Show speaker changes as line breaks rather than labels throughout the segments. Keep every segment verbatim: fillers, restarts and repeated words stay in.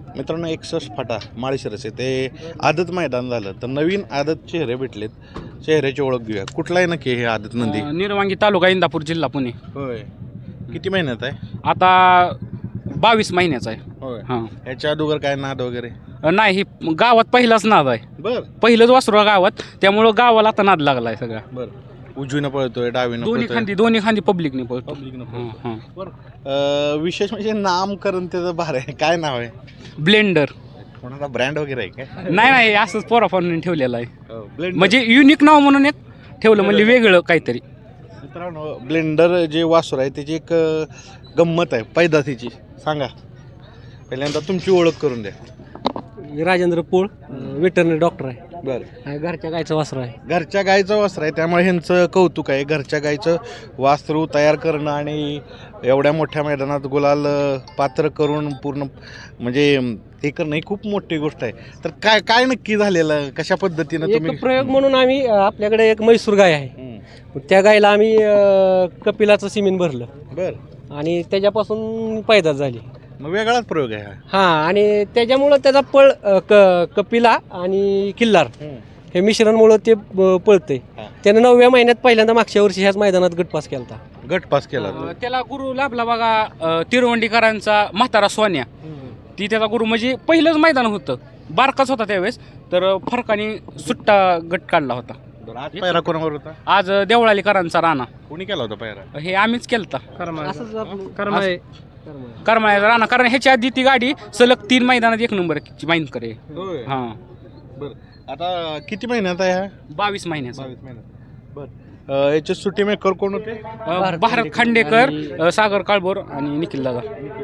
मित्रांनो एकसष्ट फाटा माळशिरस ते आदत मैदान झालं तर नवीन आदत चेहरे भेटलेत. चेहऱ्याची ओळख घेऊया. कुठला आहे नक्की हे आदत नंदी?
अं, निर्वांगी तालुका इंदापूर जिल्हा पुणे.
होय. किती महिन्यात आहे?
आता बावीस महिन्याचा आहे.
होय.
हां
ह्याच्या अगोदर काय नाद वगैरे?
अं, नाही ही गावात पहिलाच नाद आहे.
बर
पहिलंच वासरू आहे गावात, त्यामुळं गावाला आता नाद लागला आहे सगळा.
बर उजवीनं पळतोय डावीनं
दोन्ही
पळतोय?
खांदी दोन्ही खांदी पब्लिकने पळतो.
पब्लिकनं
हां
पळतोय.
हां
बरं. अं, विशेष म्हणजे नामकरण त्याचं भार आहे. काय नाव आहे?
ब्लेंडर.
कोणाचा ब्रँड वगैरे आहे काय?
नाही नाही असंच पोराफारून ठेवलेलं आहे.
ब्लेंडर.
म्हणजे युनिक नाव म्हणून एक ठेवलं, म्हणजे वेगळं काहीतरी.
मित्रांनो ब्लेंडर जे वासर आहे त्याची एक अ, गंमत आहे पैदासीची. सांगा पहिल्यांदा तुमची ओळख करून द्या.
राजेंद्र पोळ वेटरनरी डॉक्टर आहे.
बरं.
घरच्या गायचं वासरू आहे.
घरच्या गायचं वासर आहे त्यामुळे ह्यांचं कौतुक आहे. घरच्या गायचं वासरू तयार करणं आणि एवढ्या मोठ्या मैदानात गुलाल अ, पात्र करून पूर्ण म्हणजे अम, हे करणं ही खूप मोठी गोष्ट आहे. तर काय काय नक्की झालेलं, कशा पद्धतीनं तुम्ही?
एक प्रयोग म्हणून आम्ही अ, आपल्याकडे एक म्हैसूर गाय आहे.
हं.
त्या गायला आम्ही अ, कपिलाचं सिमेंट भरलं
बरं.
आणि त्याच्यापासून पैदास झाली.
मग वेगळाच प्रयोग आहे हा.
हां, आणि त्याच्यामुळं त्याचा पळ अ, क कपिला आणि किल्लार
हं.
हे मिश्रणमुळं ते अ, पळतंय.
हां.
त्यानं नवव्या महिन्यात पहिल्यांदा मागच्या वर्षी ह्याच मैदानात गटपास केला होता.
गट पास केला तो.
अं, त्याला गुरु लाभला बघा, अं, तिरवंडीकरांचा म्हातारा सोन्या. ती त्याचा गुरु, म्हणजे पहिलंच मैदान होतं, बारकाच होता त्यावेळेस, तर फरकाने सुट्टा गट काढला होता.
बरं, आज पायरा कोणावर होता?
आज देवळालीकरांचा राणा,
कोणी केला होता पायरा?
हे आम्हीच केलता.
असंच आपलं कर्म आहे.
करमाळ्याचा राणा, कारण ह्याच्या आधी ती गाडी सलग तीन मैदानात एक नंबरची माहीत करे.
होय.
हां
बरं. आता किती महिन्यात आहे हा?
बावीस महिन्याचा.
बावीस महिन्यात. बरं. याचे सुट्टी मेकर कोण होते?
अं, भारत खांडेकर, अं, सागर काळभोर आणि निखिल दादा.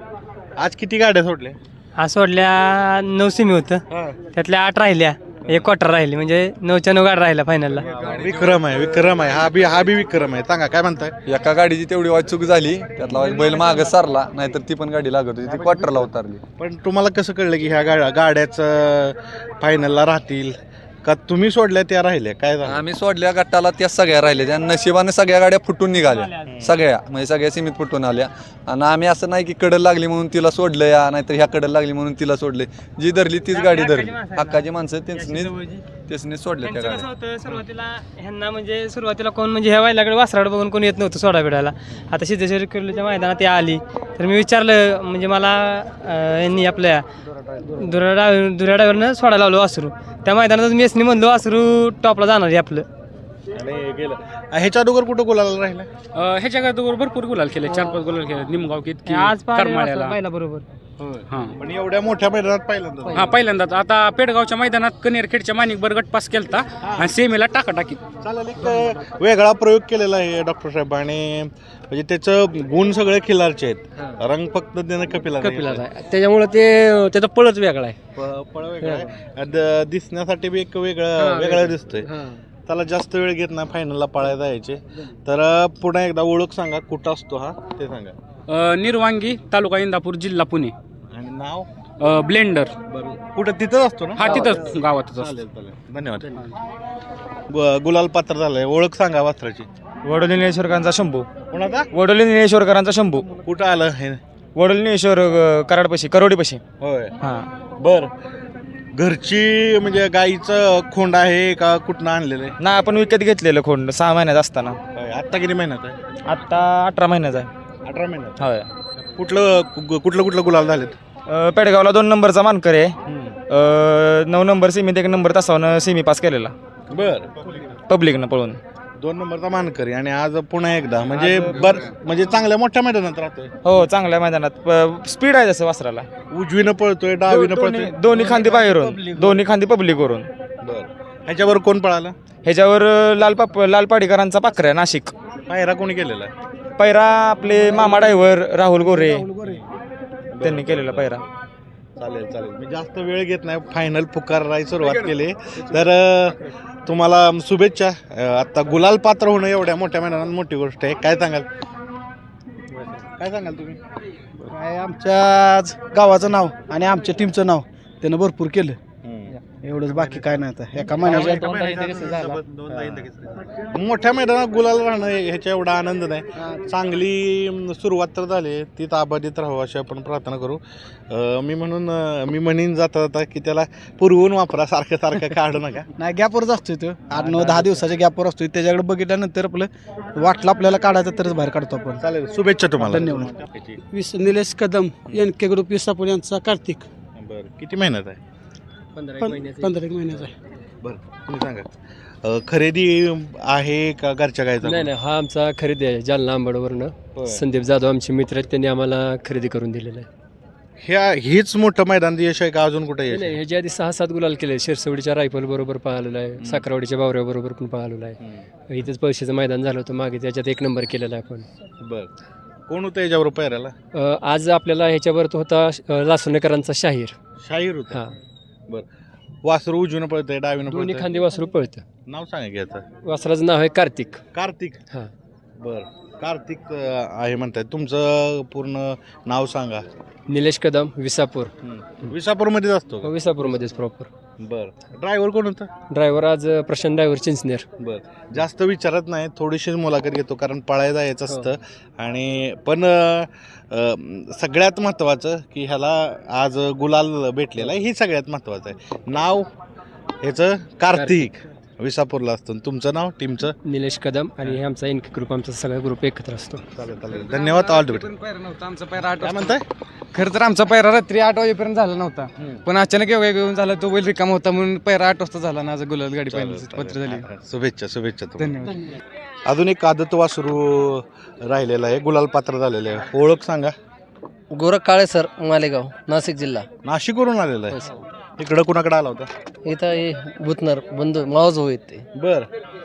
आज किती गाड्या सोडल्या?
आज सोडल्या नऊ सेमी होतं, त्यातल्या आठ राहिल्या, एक क्वार्टर राहिली, म्हणजे नऊच्या नऊ गाडी राहिल्या फायनलला.
विक्रम आहे, विक्रम आहे. हा बी हा बी विक्रम आहे. सांगा काय म्हणताय?
एका गाडीची तेवढी वाहतूक झाली, त्यातला बैल मागं सारला, नाहीतर ती पण गाडी लागत होती, ती क्वार्टरला उतरली.
पण तुम्हाला कसं कळलं की ह्या गाड्या गाड्याच फायनलला राहतील का? तुम्ही सोडल्या त्या राहिल्या काय झालं?
आम्ही सोडल्या गटाला त्या सगळ्या राहिल्या, त्या नशिबाने सगळ्या गाड्या फुटून निघाल्या, सगळ्या म्हणजे सगळ्या सीमित फुटून आल्या. आणि आम्ही असं नाही की कडल लागली म्हणून तिला सोडलं या, नाहीतर ह्या कडल लागली म्हणून तिला सोडले. जी धरली तीच गाडी धरली. हक्काची माणसं त्यांनी त्यांनी सोडल्या त्या
त्यांचं कसं
गाड्या.
होतं, सुरुवातीला ह्यांना म्हणजे सुरुवातीला कोण म्हणजे ह्या वायलाकडे वासराकडे बघून कोण येत नव्हतं सोडा बिडायला. आता सिद्धेश्वर किर्लीच्या मैदानात ती आली, तर मी विचारलं, म्हणजे मला अं, यांनी आपल्या दुरा डाव दुऱ्या डायव्हरनं सोडायला लावलं वासरू. त्या मैदानात मेसनी म्हणलो वासरू टॉपला जाणार आहे आपलं.
आणि गेलं ह्याच्या अगोदर कुठं बोलायला राहिलं?
अं, ह्याच्या गाडीवर भरपूर गुलाल केले, चार पाच गुलाल केले. निमगाव किती,
आज
करमाळ्याला.
पाहिला बरोबर.
हां
पण एवढ्या मोठ्या मैदानात पहिल्यांदा
हा पहिल्यांदाच. आता पेडगावच्या मैदानात कनेरखेडच्या माणिकबर गट पास केलता आणि सेमीला टाकाटाकी.
चालेल. एक वेगळा प्रयोग केलेला आहे डॉक्टर साहेब आणि म्हणजे त्याचं गुण सगळे खिलारचे आहेत. रंग फक्त त्यानं कपिला
कपिलाचा आहे, त्याच्यामुळं ते त्याचा पळच वेगळा आहे.
पळ वेगळा आहे. द- दिसण्यासाठी बी एक वेगळं वेगळं दिसतोय. त्याला जास्त वेळ घेत नाही फायनलला पळायला जायचे. तर पुन्हा एकदा ओळख सांगा, कुठं असतो हा ते सांगा.
अं, निर्वांगी तालुका इंदापूर जिल्हा पुणे.
आणि नाव?
अं, ब्लेंडर.
बरं. कुठं तिथंच असतो ना?
हा तिथंच गावातच असतो.
चालेल चालेल धन्यवाद. ग- गुलाल पात्र झालंय. ओळख सांगा वासराची.
वडोली निळेश्वरकरांचा शंभू.
कोणाचा?
वडोली निळेश्वरकरांचा शंभू.
कुठं आलं हे?
वडोली निळेश्वर अ, कराडपाशी, करोडीपाशी.
होय.
हां.
बर. घरची म्हणजे गाईचं खोंड आहे का कुठनं आणलेलं आहे?
ना आपण विकत घेतलेलं खोंड सहा महिन्यात असताना.
होय. आत्ता किती महिन्यात आहे?
आत्ता अठरा महिन्याचा आहे.
अठरा महिन्यात.
होय.
कुठलं कु- कुठलं कुठलं गुलाल झालेत?
अ, पेडगावला दोन नंबरचा मानकर आहे. अ, नऊ नंबर सेमीत एक नंबर तासावनं सेमी पास केलेला
बर.
पब्लिकनं पळून.
दोन नंबरचा मानकरी आणि आज पुन्हा एकदा म्हणजे बर म्हणजे चांगल्या मोठ्या मैदानात राहतोय.
हो, चांगल्या मैदानात स्पीड आहे जसं वासराला.
उजवीनं पळतोय डावीनं
दोन्ही
पळतोय.
दोन्ही खांदी बाहेरून, दोन्ही खांदी पब्लिकवरून.
बर. ह्याच्यावर कोण पळालं?
ह्याच्यावर अ, लाल पाप लाल पाडीकरांचा पाखऱ्या नाशिक.
पायरा कोणी केलेला आहे?
पैरा आपले मामा ड्रायव्हर राहुल गोरे त्यांनी केलेला पैरा.
चालेल चालेल. मी जास्त वेळ घेत नाही. फायनल पुकारायला सुरुवात केली. तर अ, तुम्हाला शुभेच्छा. अ, आता गुलाल पात्र होणं एवढ्या मोठ्या मैदानात मोठी गोष्ट आहे. काय सांगाल? काय सांगाल तुम्ही?
काय आमच्या गावाचं नाव आणि आमच्या टीमचं नाव त्यानं भरपूर केलं.
हम्म.
एवढंच बाकी काय नाही आता एका महिन्याच्या
मोठ्या मैदानात गुलाल राहणं ह्याच्या एवढा आनंद नाही. चांगली अं, सुरुवात तर झाली, ती अबाधित राहावं अशी आपण प्रार्थना करू. अं, मी म्हणून अं, मी म्हणीन जाता जाता की त्याला पुरवून वापरा, सारखं सारखं काढू नका.
नाही गॅपवरच असतोय तो आठ नऊ दहा दिवसाच्या गॅपवर असतोय. त्याच्याकडे बघितल्यानंतर आपलं वाटलं आपल्याला काढायचं तरच बाहेर काढतो आपण.
चालेल, शुभेच्छा तुम्हाला.
धन्यवाद.
विस Nilesh Kadam N K group Visapur यांचा कार्तिक
बरं, किती मेहनत आहे?
पंधरा
पं-
महिन्याचे
पंधरा एक महिन्याचा आहे.
बरं, तुम्ही सांगा. अं, खरेदी आहे का घरच्या गायचा?
नाही नाही हा आमचा खरेदी आहे जालना आंबडवरनं. संदीप जाधव आमचे मित्र आहेत, त्यांनी आम्हाला खरेदी करून दिलेलं आहे.
ह्या हेच मोठं मैदान यश आहे का अजून कुठे यश
नाही
आहे?
ह्याच्या आधी सहा सात गुलाल केले. शिरसवडीच्या रायफल बरोबर पाहिलेला आहे, साखरवाडीच्या बावऱ्याबरोबर पण पाहिलेला आहे.
हम्म.
इथंच पैशाचं मैदान झालं होतं मागे, त्याच्यात एक नंबर केलेला आहे आपण.
बरं, कोण होतं याच्यावर पैराला?
अ, आज आपल्याला ह्याच्यावर तो होता अ, लासुनेकरांचा शाहीर.
शाहीर होता.
हा
बरं, वासरू उजवीनं पळतंय डावीनं
दोन्ही
पळतंय?
खांदी वासरू पळतं.
नाव सांगा की याचं.
वासराचं नाव आहे कार्तिक.
कार्तिक.
हा
बर, कार्तिक अं, आहे म्हणताय. तुमचं पूर्ण नाव सांगा.
निलेश कदम विसापूर.
विसापूरमध्येच असतो का?
विसापूरमध्येच प्रॉपर.
बर, ड्रायव्हर कोण होतं?
ड्रायव्हर आज अ, प्रशांत ड्रायव्हर चिंचनेर.
बर, जास्त विचारत नाही, थोडीशीच मुलाखत घेतो कारण पळायला जायचं
हो.
असतं. आणि पण अं, अं, सगळ्यात महत्त्वाचं की ह्याला आज गुलाल भेटलेला आहे, हे सगळ्यात महत्त्वाचं आहे. नाव ह्याचं कार्तिक, विसापूरला असतं. तुमचं नाव, टीमचं?
निलेश कदम आणि हे आमचा एन के ग्रुप, आमचा सगळा ग्रुप एकत्र असतो.
चालेल चालेल, धन्यवाद. All the best.
पैरा नव्हता आमचा पैरा आठ
काय म्हणताय?
खरं तर आमचा पैरा रात्री आठ वाजेपर्यंत झाला नव्हता, पण अचानक एवढा घेऊन झाला तो बैल रिकाम होता म्हणून पैरा आठ वाजता झाला ना. आज गुलाल गाडी
चालेल,
पाहिजे पत्र
चालेल.
झाली.
हा, हा. शुभेच्छा शुभेच्छा तुम्हाला.
धन्यवाद.
अजून एक आदत वासरू राहिलेला आहे, गुलाल पात्र झालेलं आहे. ओळख सांगा.
गोरख काळे सर, मालेगाव, नाशिक जिल्हा.
नाशिकवरून आलेला आहे. इकडं कुणाकडे आला होता?
इथं हे भूतनर बंधू मावज होईत ते.
बर,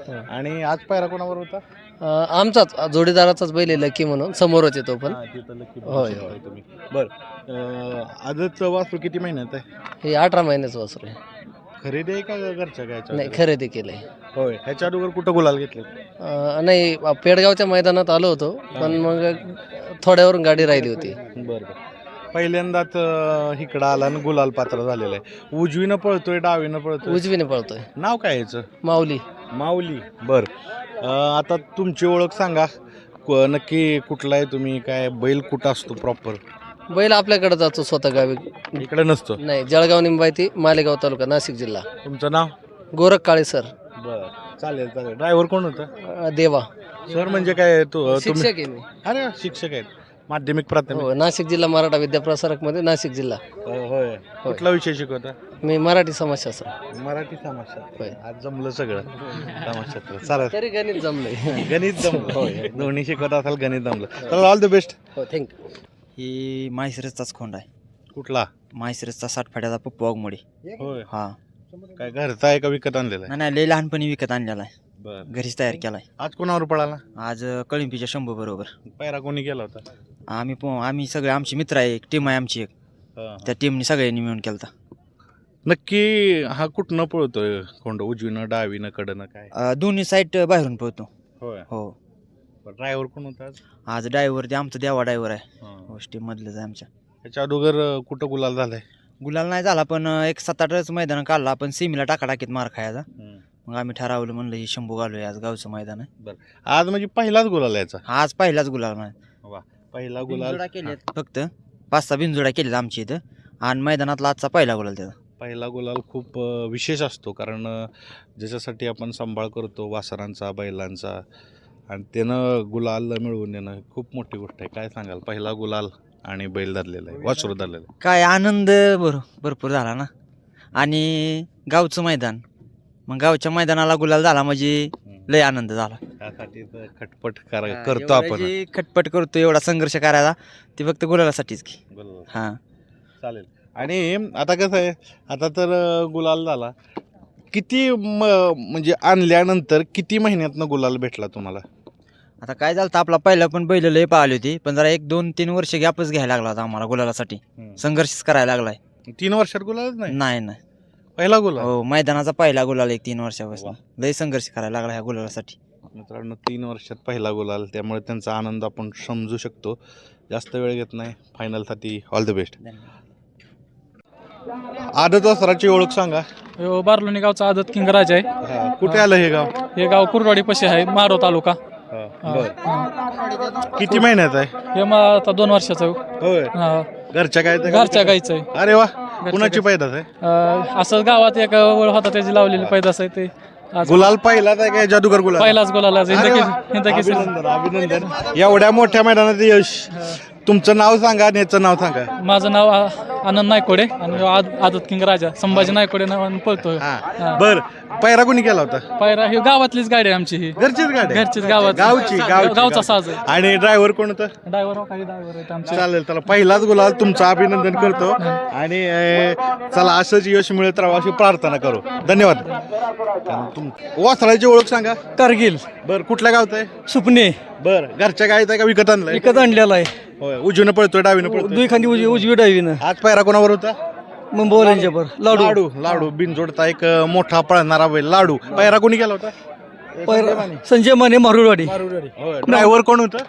आणि आज पायरा कोणावर होता?
अं, आमचाच जोडीदाराचाच बैल आहे लकी म्हणून, समोरच येतो पण.
हा, तिथं लकी
होय,
भाऊ तुम्ही. बर, अं, आदतचं वासरू किती महिन्यात आहे?
हे अठरा महिन्याचं वासरू आहे.
खरेदी आहे का घरच्या गायच्या?
नाही खरेदी केलंय.
होय, ह्याच्या अगोदर कुठं गुलाल घेतले?
अं, नाही पेडगावच्या मैदानात आलो होतो, पण मग थोड्यावरून गाडी राहिली होती.
बरं बरं, पहिल्यांदाच अं, इकडं आला आणि गुलाल पात्र झालेलं आहे. उजवीनं पळतोय डावीनं पळतोय?
उजवीने पळतोय.
नाव काय याचं?
माऊली.
माऊली. बर, अं, आता तुमची ओळख सांगा. क- नक्की कुठला आहे तुम्ही? काय बैल कुठं असतो प्रॉपर?
बैल आपल्याकडे जातो स्वतः गावी.
इकडे नसतो?
नाही, जळगाव निंबायती, मालेगाव तालुका, नाशिक जिल्हा.
तुमचं नाव?
गोरख काळे सर.
बर, चालेल चालेल. ड्रायव्हर कोण होतं?
अं, देवा.
सर म्हणजे काय तू तुम्ही?
शिक्षक आहे मी.
अरे शिक्षक आहेत, माध्यमिक प्राथमिक?
हो, नाशिक जिल्हा मराठा विद्याप्रसारक मध्ये, नाशिक जिल्हा.
अ, होय. कुठला विषय शिकवता?
मी मराठी समाजशास्त्र.
मराठी समाजशास्त्र.
होय.
आज जमलं सगळं समाजशास्त्र. चालेल,
तरी गणित जमलंय.
गणित जमलं. होय, दोन्ही शिकवत असाल, गणित जमलं. चला, ऑल द बेस्ट.
हो, थँक्यू.
ही माहिसरसचाच खोंड आहे.
कुठला?
माहिसरसचा साठफाट्याचा पप्पू वाघमोडी.
होय,
हा.
काय घरचा आहे का विकत आणलेला आहे?
नाही नाही लय लहानपणी विकत आणलेला आहे,
बर,
घरीच तयार केलाय.
आज कोणावर पळाला?
आज अ, कळंबीच्या शंभू बरोबर.
पायरा कोणी केला होता?
आम्ही प- आम्ही सगळे आमची मित्र आहे, एक टीम आहे आमची एक,
हा.
त्या टीमने सगळ्यांनी मिळून केलता.
नक्की हा कुठनं पळतोय खोंड? उजवीनं डावीनं कडनं काय?
अ, दोन्ही साईड बाहेरून पळतो.
होय.
हो.
ड्रायव्हर कोण होता आज?
आज ड्रायव्हर ते आमचा देवा ड्रायव्हर आहे,
हा.
हो टीम मधलंच आहे आमच्या.
त्याच्या अगोदर अ, कुठं गुलाल झालाय?
गुलाल नाही झाला, पण अ, एक सात आठच मैदान काढला आपण, सीमीला टाकाटाकीत मार खायचा. मग आम्ही ठरवलं म्हणलं ही शंभू घालूया, आज गावचं मैदान आहे.
आज म्हणजे पहिलाच गुलाल याचा?
आज पहिलाच गुलाल नाही,
पहिला गुलाल.
बिनजोडा केल्यात फक्त, पाच सहा बिनजोडा केल्यात आमच्या इथं, आणि मैदानातला आजचा पहिला गुलाल त्याचा.
पहिला गुलाल खूप अ, विशेष असतो, कारण अ, ज्याच्यासाठी आपण सांभाळ करतो वासरांचा, बैलांचा, आणि त्यानं गुलाल मिळवून देणं खूप मोठी गोष्ट आहे. काय सांगाल? पहिला गुलाल आणि बैल धरलेला आहे, वासरू धरलेलं आहे.
काय आनंद भर भरपूर झाला ना, आणि गावचं मैदान, मग गावच्या मैदानाला गुलाल झाला म्हणजे लय आनंद झाला.
त्यासाठी तर खटपट करा- करतो आपण.
जी खटपट करतो, एवढा संघर्ष करायचा ते फक्त गुलालासाठीच की.
गुलाल.
हा.
चालेल. आणि आता कसं आहे, आता तर अ, गुलाल झाला. किती म- म्हणजे आणल्यानंतर किती महिन्यातनं गुलाल भेटला तुम्हाला?
आता काय झालं, आपला पहिला पण बैल लय पाहिली होती, पण जरा एक दोन तीन वर्ष गॅपच घ्यायला लागला होता आम्हाला गुलालासाठी. संघर्षच करायला लागलाय.
तीन वर्षात गुलालच नाही?
नाही नाही
पहिला गुलाल?
हो, मैदानाचा पहिला गुलाल एक तीन वर्षापासून. लय संघर्ष करायला लागला ह्या गुलालासाठी.
मित्रांनो, तीन वर्षात पहिला गुलाल, त्यामुळे त्यांचा आनंद आपण समजू शकतो. जास्त वेळ घेत नाही, फायनलसाठी ऑल द बेस्ट. आदत वासराची ओळख सांगा.
ह्यो बारलोणी गावचा आदत किंग राजा आहे.
हा, कुठे आलं हे गाव?
हे गाव कुरवाडी पशी आहे, मारो तालुका.
हा, बर. किती महिन्यात आहे?
हे मग आता दोन वर्षाचं आहे.
होय.
हा,
घरच्या काय
घरच्या गाईचं आहे.
अरे वा, कुणाची पैदास आहे?
अं, असं गावात एक ओळ होता त्याची लावलेली पैदास आहे ते आज
गुलाल पहिलाच आहे काय जादूगर गुलाल?
पहिलाच गोलाला
अरे वा.
हिंदकी
अभिनंदन अभिनंदन एवढ्या मोठ्या मैदानात यश. तुमचं नाव सांगा आणि याचं नाव सांगा.
माझं नाव आ- आनंद नायकोडे आणि ह्यो आद- आदत किंग राजा संभाजी नायकोडे नावाने पळतो.
हा, बर. पैरा कोणी केला होता?
पायरा ही गावातलीच गाडी आहे आमची. ही
घरचीच गाडी?
घरचीच गावात
गावची गावची
गावचा साज आहे.
आणि ड्रायव्हर कोण होतं?
ड्रायव्हर काही ड्रायव्हर आहेत आमचे.
चालेल, चला पहिलाच गुलाल तुमचं अभिनंदन करतो आणि अं, चला असंच यश मिळत राहावं अशी प्रार्थना करू. धन्यवाद. तुम वासराची ओळख सांगा.
कारगिल
बर, कुठल्या गावचं आहे?
सुपणे
बर, घरच्या गायचं आहे का विकत आणलंय?
विकत आणलेला आहे.
होय, उजवीनं पळतोय डावीनं पळतोय?
दुई खांदी उजवी उजवी डावीनं
आज पायरा कोणावर होता?
मुंबईवर लाडू
लाडू लाडू बिनजोडता एक अं, मोठा पळणारा बैल लाडू. पायरा कोणी केला होता?
संजय माने मारुडवाडी.
ड्रायव्हर कोण होतं?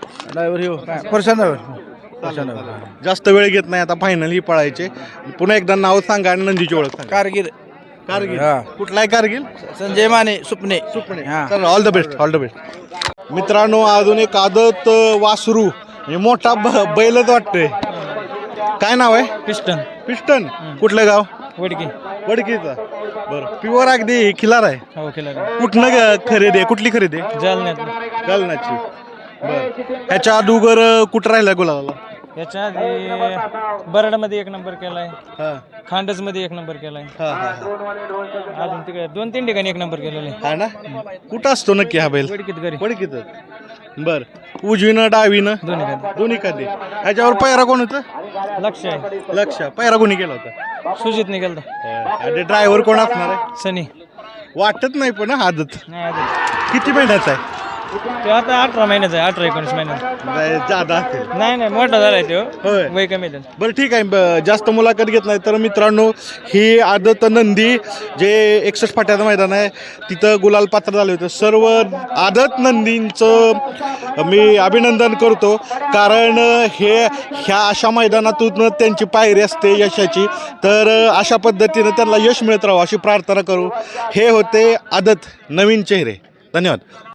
ड्रायव्हर
जास्त वेळ घेत नाही, आता फायनल ही पळायचे. पुन्हा एकदा नाव सांगा आणि नंदीची ओळख सांगा.
कारगिल
कारगिल. कुठला आहे कारगिल?
संजय माने सुपणे.
सुपणे. चला, all the best, all the best. मित्रांनो, अजून एक आदत अं, वासरू म्हणजे मोठा ब- बैलच वाटतोय. काय नाव आहे?
Piston
piston. कुठलं गाव?
वडकी.
वडकीचा. बरं, प्युअर अगदी खिलार आहे.
हो केला
कुठनं ग- खरेदी आहे? कुठली खरेदी आहे?
जालन्यात.
गालनाची. बरं, ह्याच्या अदुगर अं, कुठं राहिला गुलाला?
याच्या आधी बरडमध्ये एक नंबर केलाय,
हा
खांडसमध्ये एक नंबर केलाय,
हा हा
अजून तिकडे दोन तीन ठिकाणी एक नंबर केलेला आहे.
हा ना. कुठं असतो नक्की हा बैल?
वडकीत घरी
वडकीत. बर, उजवीनं डावीनं
दोन्ही खाली.
दोन्ही खाली. ह्याच्यावर पैरा कोण होतं?
लक्ष आहे.
लक्ष. पैरा कोणी केला होता?
सुजित निघालता.
आणि ड्रायव्हर कोण असणार आहे?
सनी.
वाटत नाही पण हा, आदत
नाही आधी
किती महिन्याचा आहे?
तो आता अठरा महिन्याचा आहे, अठरा एकोणीस महिन्याचा.
नाही, जादा असेल.
नाही नाही मोठा झालाय तो.
होय.
वय कमी आहे.
बरं, ठीक आहे. ब- जास्त मुलाखत घेत नाही तर मित्रांनो, ही आदत नंदी जे एकसष्ट फाट्याचं मैदान आहे तिथं गुलाल पात्र झाले होते. सर्व आदत नंदींचं मी अभिनंदन करतो, कारण हे ह्या अशा मैदानातून त्यांची पायरी असते यशाची. तर अशा पद्धतीनं त्यांना यश मिळत राहावं अशी प्रार्थना करू. हे होते आदत नवीन चेहरे. धन्यवाद.